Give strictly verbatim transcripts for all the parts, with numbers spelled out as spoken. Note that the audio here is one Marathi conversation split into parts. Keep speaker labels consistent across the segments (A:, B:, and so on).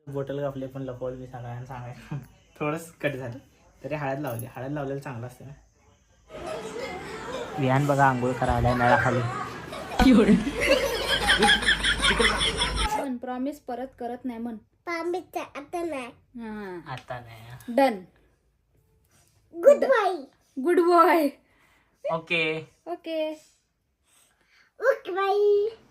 A: बॉटल कापले पण लपवलं मी सगळ्यांना सांगायचं थोडंच कट झालं तरी हळद लावली. हळद लावलेलं चांगलं असतं ना. विहान बघा आंघोळ करायला नळाखाली.
B: पण प्रॉमिस परत करत नाही म्हण.
C: प्रॉमिस आता नाही.
B: हा
A: आता नाही.
B: Done.
C: Good bye.
B: Good boy.
A: Okay
B: okay
C: okay bye.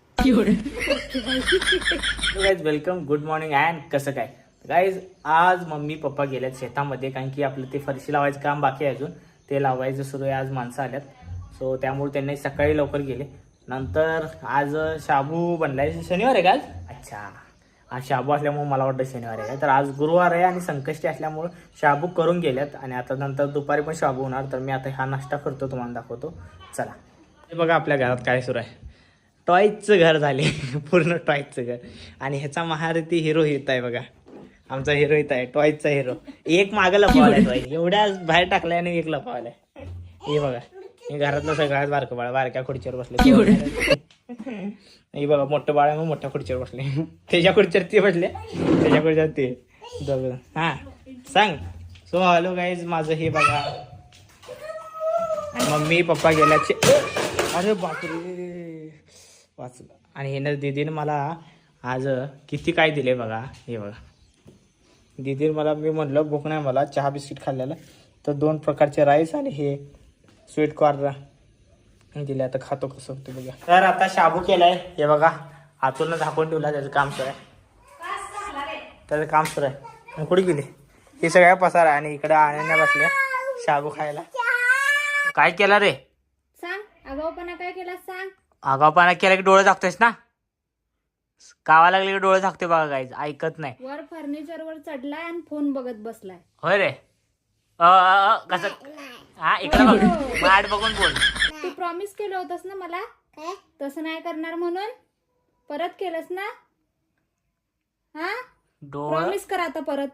A: Guys welcome. Good morning and कसं काय गाईज. आज मम्मी पप्पा गेल्यात शेतामध्ये कारण की आपलं ते फरशी लावायचं काम बाकी आहे अजून. ते लावायचं सुरू आहे. आज माणसं आल्यात सो त्यामुळे त्यांनी सकाळी लवकर गेले. नंतर आज शाबू बनलाय. शनिवार आहे का आज? अच्छा आज शाबू असल्यामुळे मला वाटतं शनिवार आहे. तर आज गुरुवार आहे आणि संकष्टी असल्यामुळं शाबू करून गेल्यात आणि आता नंतर दुपारी पण शाबू होणार. तर मी आता हा नाश्ता करतो तुम्हाला दाखवतो. चला. हे बघा आपल्या घरात काय सुरू आहे. टॉयचं घर झाले पूर्ण टॉयचं घर. आणि ह्याचा महारथी हिरो येत आहे बघा. आमचा हिरो येत आहे टॉयचा हिरो. एक मागं लपवायला टॉय एवढ्या बाहेर टाकलाय आणि एक लपवायला. हे बघा हे घरातलं सगळ्यात बारकं बाळ बारक्या खुर्चीवर बसले. हे बघा मोठं बाळ आहे मग मोठ्या खुर्चीवर बसले. त्याच्या खुर्चीवर ते बसले त्याच्या खुर्चीवर ते दोघं. हा सांग. So hello guys. माझं हे बघा मम्मी पप्पा गेल्याचे. अरे बापरे वाचलं. आणि हे ना दीदीने मला आज किती काय दिले बघा. हे बघा दीदीने मला, मी म्हणलं भूक नाही मला, चहा बिस्किट खाल्लेलं तर दोन प्रकारचे राईस आणि हे स्वीट कॉर्न दिले. आता खातो कसं होतं बघा. तर आता शाबू केलाय. हे बघा आतून झाकून ठेवला. त्याचं काम सुरू आहे. त्याचं काम सुरू आहे. कुठे गेली हे सगळ्या पसारा. आणि इकडे आण्या बसल्या शाबू खायला. काय केला रे?
B: सांग. आगाऊपणा काय केला सांग.
A: आगाऊपणा केला की डोळे झाकतोयस ना. कावा लागले की डोळे झाकते बघा गाईज. ऐकत नाही.
B: वर फर्निचर वर चढलाय आणि फोन बघत बसलाय.
A: होय रे. कसं हा इकडे बघ. वाट बघून बोल.
B: तू प्रॉमिस केलं होतस ना मला तसं नाही करणार म्हणून. परत केलंस ना. हा
A: डोळे
B: प्रॉमिस कर आता परत.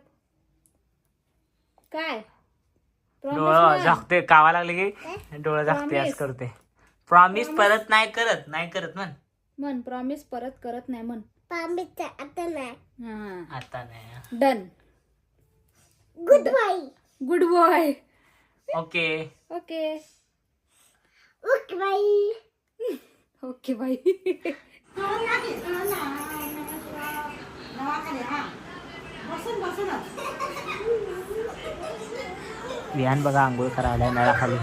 B: काय
A: डोळे झाकते. कावा लागले की डोळे झाकते असं करते. प्रॉमिस परत नाही करत. नाही करत म्हण.
B: म्हण प्रॉमिस परत करत नाही म्हण.
C: प्रॉमिस आता नाही.
B: हा
A: आता नाही.
B: Done.
C: Good bye.
B: Good boy.
A: Okay
B: okay
C: okay bye.
B: Okay bye.
A: Vihan बघा आंघोळ करायला नळाखाली.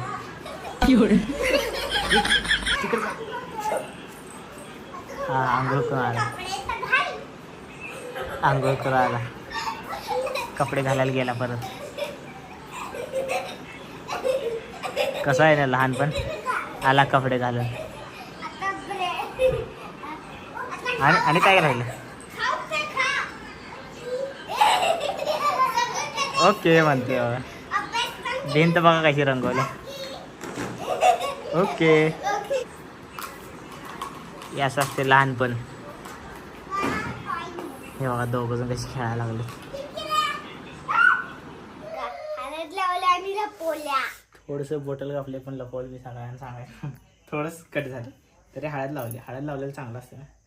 A: हा आंघोळ करून आला. आंघोळ करून आला. कपडे घालायला गेला परत. कसं आहे ना लहानपण. आला कपडे घालून. आणि आणि काय राहिलं. ओके म्हणते बाबा. भिंत बघा कशी रंगवली. ओके यास असते लहानपण. हे बघा दोघं जण कशी खेळायला लागले. थोडंसं बॉटल कापले पण लपवलं मी सगळ्यांना सांगायचं थोडंच कट झालं तरी हळद लावली. हळद लावलेलं चांगलं असतं ना.